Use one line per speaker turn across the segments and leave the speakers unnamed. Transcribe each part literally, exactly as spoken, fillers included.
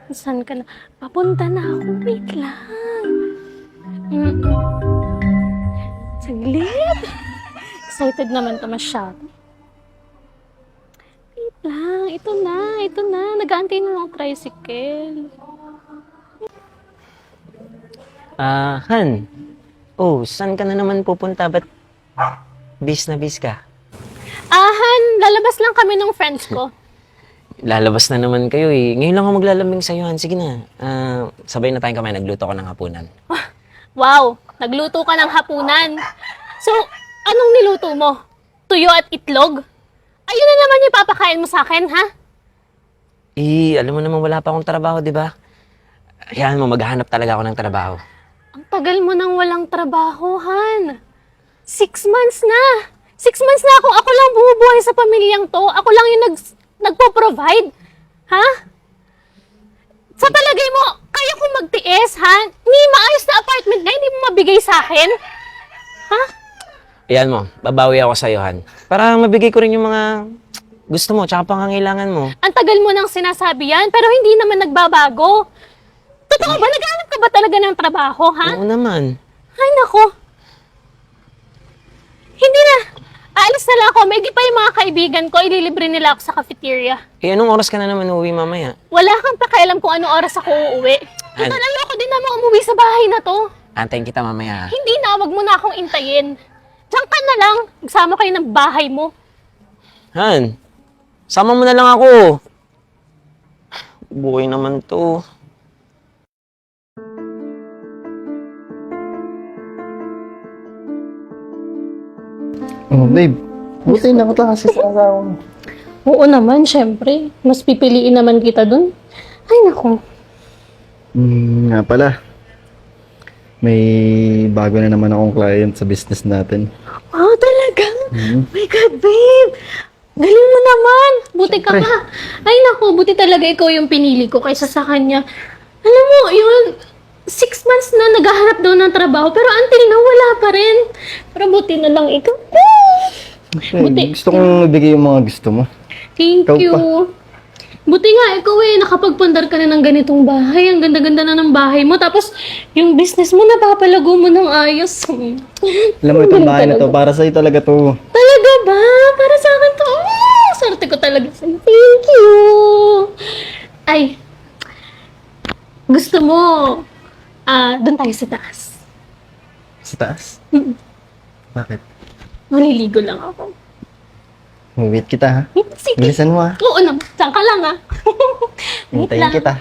Saan ka na? Papunta na ako. Wait lang. Mm. Saglit. Excited naman to masyado. Wait lang. Ito na. Ito na. Nag-aantay na ng tricycle.
Ah, Han. Oh, saan ka na naman pupunta? Ba't bis na bis ka?
Ahan, lalabas lang kami ng friends ko.
Lalabas na naman kayo eh. Ngayon lang ako maglalambing sa'yo, Han. Sige na. Ah, sabay na tayong kamay. Nagluto ko ng hapunan.
Wow, nagluto ka ng hapunan. So, anong niluto mo? Tuyo at itlog? Ayun na naman yung papakain mo sa akin, ha?
Eh, alam mo naman wala pa akong trabaho, di ba? Hayaan mo, maghahanap talaga ako ng trabaho.
Ang tagal mo nang walang trabaho, Han. Six months na. Six months na akong ako lang bumubuhay sa pamilyang to. Ako lang yung nag, nagpo-provide. Ha? Sa palagay mo, kaya kong magtiis, ha? Ni maayos na apartment na, hindi mo mabigay sa akin? Ha?
Ayan mo, babawi ako sa'yo, Han. Para mabigay ko rin yung mga gusto mo, tsaka pangangailangan mo.
Ang tagal mo nang sinasabi yan, pero hindi naman nagbabago. Totoo ba? Naghahanap ka ba talaga ng trabaho, ha?
Oo naman.
Ay, nako. Hindi na. Aalis na lang ako. May pa yung mga kaibigan ko. Ililibre nila ako sa cafeteria.
Eh, anong oras ka na naman uuwi mamaya?
Wala kang pakialam kung anong oras ako uuwi. Total,
An-
ayoko din naman umuwi sa bahay na to.
Antayin kita mamaya.
Hindi na. Wag mo na akong intayin. Diyan ka na lang. Magsama kayo ng bahay mo.
Han, sama mo na lang ako. Buhay naman to.
Oh, babe. Buti na kita kasi sa asawa mo.
Oo naman, syempre. Mas pipiliin naman kita dun. Ay, nako.
Hmm, nga pala. May bago na naman akong client sa business natin.
Wow, talaga?
Mhm.
My God, babe! Galing mo naman! Buti ka
Siyempre.
pa. Ay naku, buti talaga ikaw yung pinili ko kaysa sa kanya. Alam mo, yun, six months na naghahanap daw ng trabaho, pero until now, wala pa rin. Pero buti na lang ikaw.
Okay,
Buti.
gusto kong ibigay yung mga gusto mo.
Thank
Ikaw
you.
pa.
Buti nga, ikaw eh, nakapagpandar ka na ng ganitong bahay. Ang ganda-ganda na ng bahay mo. Tapos, yung business mo, napapalago mo ng ayos.
Alam mo, itong bahay na to, para sa'yo talaga to.
Talaga ba? Para sa akin to. Oh, swerte ko talaga sa'yo. Thank you. Ay, gusto mo, ah, doon tayo sa taas.
Sa taas?
Mm.
Bakit?
Maliligo lang ako.
Wait kita ha.
Sige.
Bilisan mo ha.
Oo naman. Saan ka lang ah. Wait
Hintayin
lang.
kita.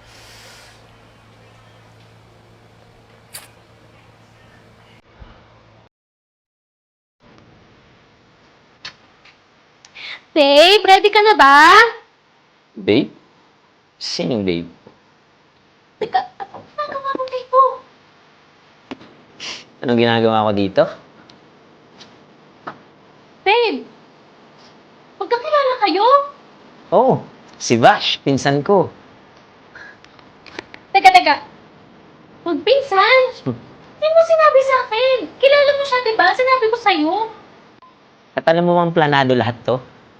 Babe, ready ka na ba?
Babe? Sinong babe?
Teka, ano ginagawa mo, babe mo?
Anong ginagawa ko dito?
Babe, magkakilala kayo?
Oh, si Vash, pinsan ko.
Teka, teka. Magpinsan? Hindi mo sinabi sa akin. Kilala mo siya, di ba? Sinabi ko sa'yo.
At alam mo bang planado lahat to?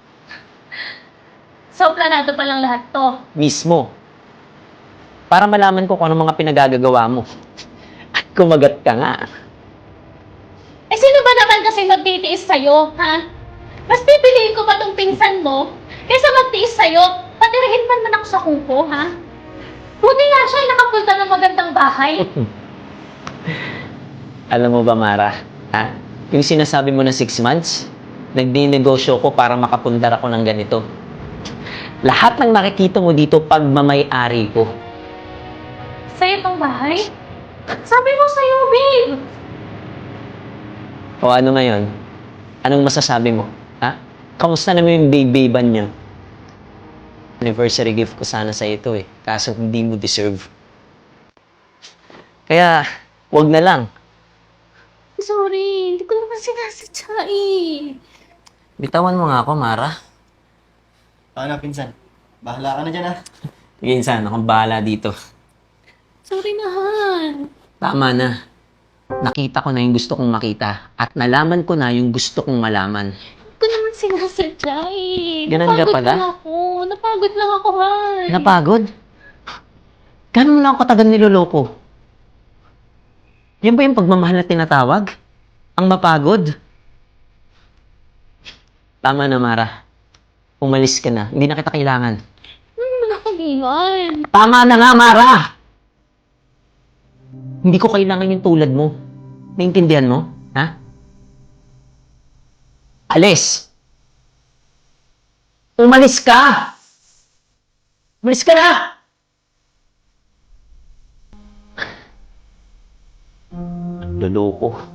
So, planado pa lang lahat to.
Mismo. Para malaman ko kung ano mga pinagagagawa mo. At kumagat ka nga.
Eh, sino ba naman kasi magtitiis sa'yo, ha? Mas pipiliin ko pa tong pinsan mo kaysa magtiis sa'yo. Patirahin man man ako sa kuko, ha? Buti nga siya ay nakapunta ng magandang bahay.
Alam mo ba, Mara? Ha? Yung sinasabi mo na six months, nagdinegosyo ko para makapundar ako ng ganito. Lahat ng nakikita mo dito, pagmamay-ari ko.
Sa'yo tong bahay? Sabi mo sa'yo, babe.
O ano ngayon? Anong masasabi mo? Ha? Kamusta naman yung baby-ban niyo? Anniversary gift ko sana sa ito eh. Kaso hindi mo deserve. Kaya, wag na lang.
Sorry, hindi ko naman sinasadya eh.
Bitawan mo nga ako, Mara.
Paano, pinsan? Bahala ka na dyan ha.
Sige, insan. Akong bahala dito.
Sorry na, Han.
Tama na. Nakita ko na yung gusto kong makita. At nalaman ko na yung gusto kong malaman.
Hindi ko naman sinasadya eh.
Ganun ka
Napagod
pala?
lang ako. Napagod lang ako, Han.
Napagod? Gano'n mo lang ako katagal niloloko? Yan ba yung pagmamahal na tinatawag? Ang mapagod? Tama na, Mara. Umalis ka na. Hindi na kita kailangan.
Ano naman ako, Ian?
Tama na nga, Mara! Hindi ko kailangan yung tulad mo. Naintindihan mo? Ha? Alis! Umalis ka! Umalis ka na! Loloko.